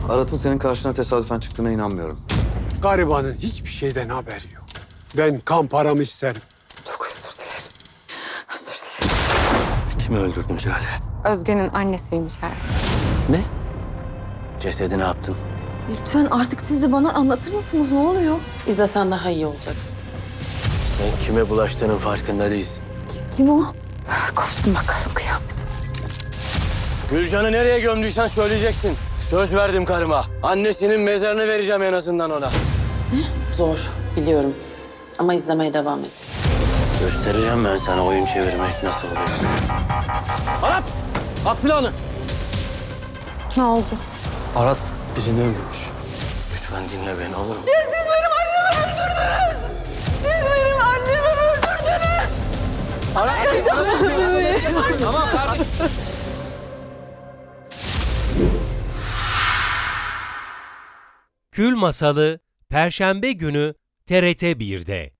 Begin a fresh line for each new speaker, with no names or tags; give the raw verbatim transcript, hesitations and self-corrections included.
Arat'ın senin karşına tesadüfen çıktığına inanmıyorum.
Garibanın hiçbir şeyden haberi yok. Ben kan paramı isterim.
Çok özür dilerim. Özür dilerim.
Kimi öldürdün Jale?
Özge'nin annesiymiş her.
Ne? Cesedi ne yaptın?
Lütfen artık siz de bana anlatır mısınız? Ne oluyor?
İzlesen daha iyi olacak.
Sen kime bulaştığının farkında değilsin.
Kim o?
Kopsun bakalım kıyamet.
Gülcan'ı nereye gömdüysen söyleyeceksin. Söz verdim karıma. Annesinin mezarını vereceğim en azından ona.
Zor, biliyorum. Ama izlemeye devam et.
Göstereceğim ben sana oyun çevirmek nasıl oluyor. Arat! At silahını!
Ne oldu?
Arat birini öldürmüş. Lütfen dinle beni olur mu?
Siz benim annemi öldürdünüz! Siz benim annemi öldürdünüz!
Arat! Tamam kardeşim.
Kül Masalı Perşembe günü T R T bir'de.